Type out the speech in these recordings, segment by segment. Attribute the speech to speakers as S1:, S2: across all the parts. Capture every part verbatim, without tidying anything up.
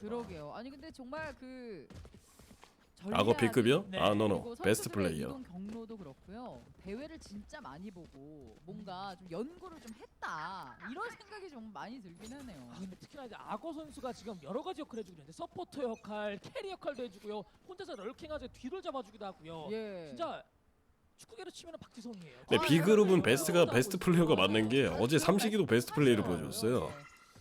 S1: 그러게요. 아니 근데 정말 그
S2: 악어 B급이요?
S3: 네.
S2: 아 노노
S1: 그리고
S2: 베스트
S1: 선수들의
S2: 플레이어.
S1: 이동 경로도 그렇고요. 대회를 진짜 많이 보고 뭔가 좀 연구를 좀 했다 이런 생각이 좀 많이 들긴 하네요.
S3: 아 근데 특히나 이제 악어 선수가 지금 여러 가지 역할을 해주고 있는데 서포터 역할, 캐리 역할도 해주고요. 혼자서 럴킹하자 뒤를 잡아주기도 하고요.
S1: 예.
S3: 진짜 축구계로 치면 박지성이에요.
S2: 네
S1: 아,
S2: B그룹은
S1: 네.
S2: 베스트가
S1: 네.
S2: 베스트 플레이어가 맞는 게
S1: 네.
S2: 어제 삼식이도 베스트 플레이를
S1: 네.
S2: 보여줬어요.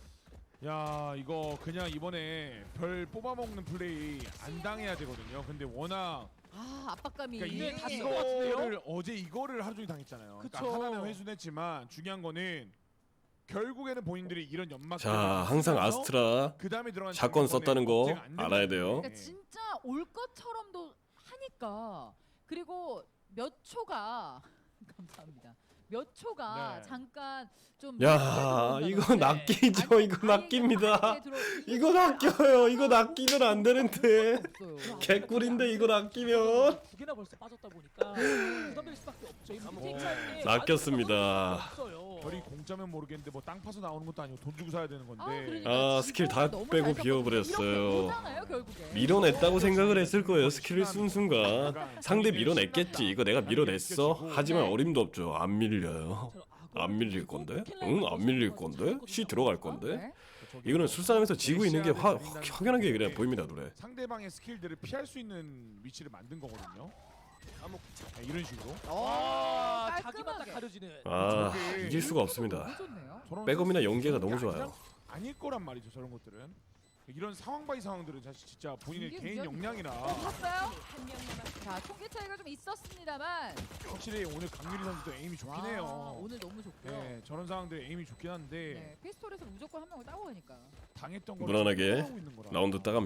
S4: 야 이거 그냥 이번에 별 뽑아먹는 플레이 안 당해야 되거든요. 근데 워낙
S1: 아 압박감이.
S4: 그러니까
S3: 이게 다
S4: 이,
S3: 쓴것 같은데요?
S4: 이거를 어제 이거를 하루 종일 당했잖아요.
S3: 그쵸.
S4: 그러니까 하나는 회수했지만 중요한 거는 결국에는 본인들이 이런 연막
S2: 자 항상 아스트라
S4: 그 다음에 들어간
S2: 샷건 썼다는 거
S4: 억제가 안 되는
S2: 알아야 돼요.
S1: 그러니까 진짜 올 것처럼도 하니까 그리고 몇 초가 감사합니다. 몇 초가
S4: 네.
S1: 잠깐 좀
S2: 야 이거 낚이죠. 이거 낚입니다. 이거 낚여요. 이거 낚이면 안 되는데. 개꿀인데 이거 낚이면.
S3: 두 개나 벌써 빠졌다 보니까 부담될 수밖에 없죠. 이거
S4: 뭐,
S3: 네.
S2: 낚였습니다.
S4: 별이 공짜면 모르겠는데 뭐 땅 파서 나오는 것도 아니고 돈 주고 사야 되는 건데.
S2: 아, 스킬 다 빼고 비워버렸어요. 밀어냈다고 생각을 했을 거예요. 스킬을 쓴 순간 상대 밀어냈겠지. 이거 내가 밀어냈어. 하지만 어림도 없죠. 안 밀려요. 안 밀릴 건데? 응? 안 밀릴 건데? C 들어갈 건데? 이거는 술싸움에서 지고 있는 게 화, 확연하게 그냥 보입니다, 노래.
S4: 상대방의 스킬들을 피할 수 있는 위치를 만든 거거든요. 네, 이런 식으로.
S3: 아, 자기만 딱 가려지는.
S2: 아, 이길 수가 없습니다.
S4: 저런
S2: 백업이나 연계가 너무
S4: 아니라
S2: 좋아요.
S4: 아닐 거란 말이죠, 저런 것들은. 이런 상황 바이 상황들은 사실 진짜 본인의
S1: 이게
S4: 개인
S1: 무슨-
S4: 역량이나
S1: 봤어요? 자 통계 차이가 좀 있었습니다만
S4: 확실히 오늘 강유리 선수도 에임이 좋긴
S1: 와,
S4: 해요.
S1: 오늘 너무 좋고요.
S4: 네, 저런 상황들 에임이 좋긴 한데
S1: 네, 피스톨에서 무조건 한 명을 따고 가니까.
S4: 당했던 걸
S2: 무난하게
S4: 하고 있는 거라.
S2: 라운드 따가